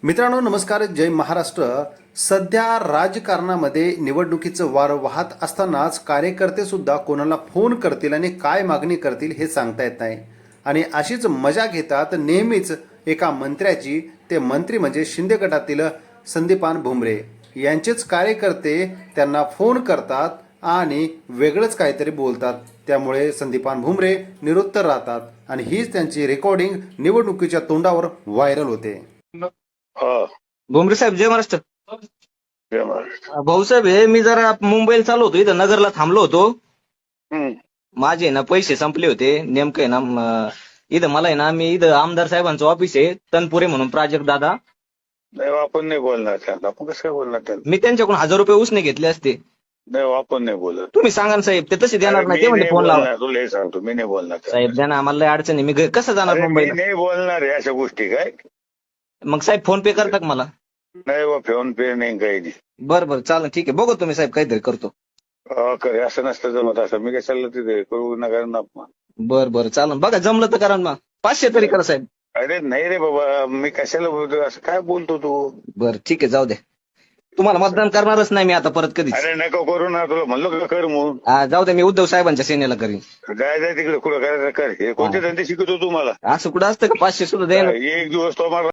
मित्रांनो नमस्कार, जय महाराष्ट्र. सध्या राजकारणामध्ये निवडणुकीचं वार वाहत असतानाच कार्यकर्ते सुद्धा कोणाला फोन करतील आणि काय मागणी करतील हे सांगता येत नाही. आणि अशीच मजा घेतात नेहमीच एका मंत्र्याची. ते मंत्री म्हणजे शिंदे गटातील संदीपान भुमरे यांचेच कार्यकर्ते त्यांना फोन करतात आणि वेगळंच काहीतरी बोलतात. त्यामुळे संदीपान भुमरे निरुत्तर राहतात आणि हीच त्यांची रेकॉर्डिंग निवडणुकीच्या तोंडावर व्हायरल होते. हा. भुमरे साहेब जय महाराष्ट्र. जय महाराष्ट्र. भाऊसाहेब हे मी जरा मुंबईला चाललो होतो, इथं नगरला थांबलो होतो. हम्म. माझे ना पैसे संपले होते नेमकं आहे ना. इथं मला आहे ना, मी इथं आमदार साहेबांचं ऑफिस आहे तनपुरे म्हणून, प्राजक्त दादा. नाही आपण नाही बोलणार त्याला. आपण कसं काय बोलणार त्याला? मी त्यांच्याकडून 1000 रुपये उसने घेतले असते. नाही आपण नाही बोलत. तुम्ही सांगा ना साहेब, ते तसे देणार अरे नाही. मी ते म्हणजे नाही फोन लावा बोलणार, तुला हे सांगतो मी नाही बोलणार त्याला. साहेब, द्या ना आम्हाला लय अडचण आहे. मी कसं जाणार अरे मी मुंबईला? नाही बोलणार आहे अशा गोष्टी. काय मग साहेब फोन पे करता का मला? नाही बा, फोन पे नाही काही नाही. बरं बरं चालेल, ठीक आहे. बघू तुम्ही साहेब काहीतरी करतो. करे असं नसतं जमत. असं मी काय चाललं तिथे करू नका ना. बरं बरं चालेल, बघा जमलं तर करा ना. 500 तरी करा साहेब. अरे नाही रे बाबा, मी कशाला बोलतो असं? काय बोलतो तू? बरं ठीक आहे, जाऊ द्या. तुम्हाला मतदान करणारच नाही मी आता परत कधीच. अरे नको करू ना, तुला म्हणलो का कर म्हणून. जाऊ द्या, मी उद्धव साहेबांच्या सेनेला करीन. जाय जाय तिकडे कुठं करायचं कर. हे कोणते धंदे शिकवतो तू मला? असं कुठं असतं का? 500 सुद्धा द्या ना. एक दिवस तो मला